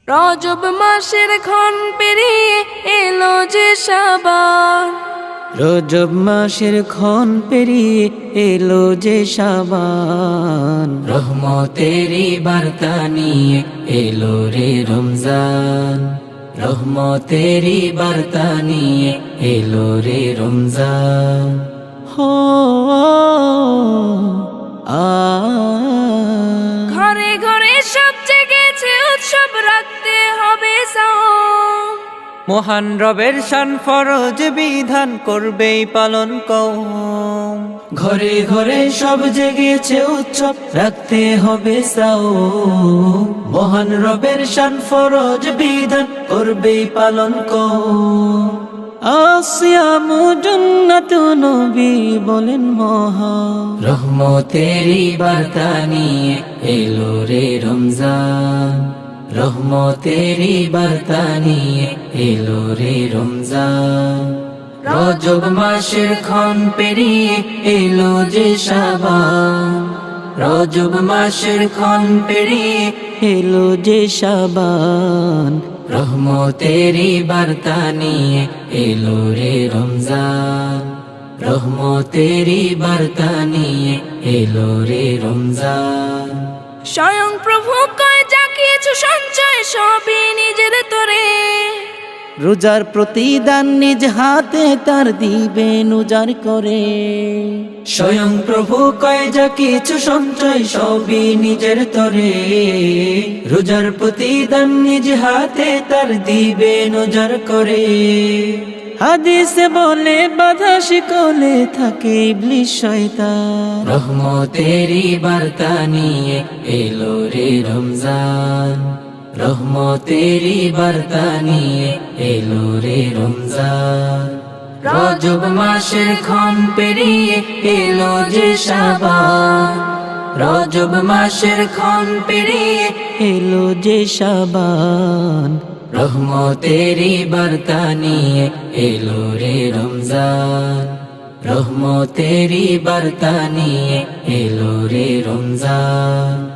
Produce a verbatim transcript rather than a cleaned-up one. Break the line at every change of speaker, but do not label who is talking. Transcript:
রজব মাসের ক্ষণ পেরিয়ে এলো যে শাবান,
রজব মাসের ক্ষণ পেরিয়ে এলো যে শাবান, রহমতেরই বার্তা নিয়ে এলো রে রমজান, রহমতেরই বার্তা নিয়ে এলো রে রমজান। হো আ
ঘরে ঘরে সব জেগেছে উৎসব, রাখতে হবে সাওম।
মহান রবের শান ফরজ বিধান করবেই পালন কওম। ঘরে ঘরে সব জেগেছে উৎসব, রাখতে হবে সাওম। মহান রবের শান ফরজ বিধান করবেই পালন কওম। আসিয়ামু জান্নাতু নবী বলেন মহা, রহমতেরই বার্তা নিয়ে এলো রে রমজান, রহমতেরই বার্তা নিয়ে এলো রে রমজান। রজব মাসের ক্ষণ পেরিয়ে এলো যে শাবান, রজব মাসের ক্ষণ পেরিয়ে এলো যে শাবান, রহমতেরই বার্তা নিয়ে এলো রে রমজান, রহমতেরই বার্তা নিয়ে এলো রে রমজান।
স্বয়ং প্রভু কয় যা কিছু সঞ্চয় সবই নিজের তরে,
রোজার প্রতিদান নিজ হাতে তার দিবেন উজাড় করে। স্বয়ং প্রভু কয় যা কিছু সঞ্চয় সবই নিজের তরে, রোজার প্রতিদান নিজ হাতে তার দিবেন উজাড় করে। হাদিসে বলে বাধা শিকলে থাকে ইবলিস শয়তান, রহমতেরই বার্তা নিয়ে এলো রে রমজান, রহমতেরই বার্তা নিয়ে এলো রে রমজান। রজব মাসের ক্ষণ পেরিয়ে এলো যে শাবান, রজব মাসের ক্ষণ পেরিয়ে এলো যে শাবান, রহমতেরই বার্তা নিয়ে এলো রে রমজান, রহমতেরই বার্তা নিয়ে এলো রে রমজান।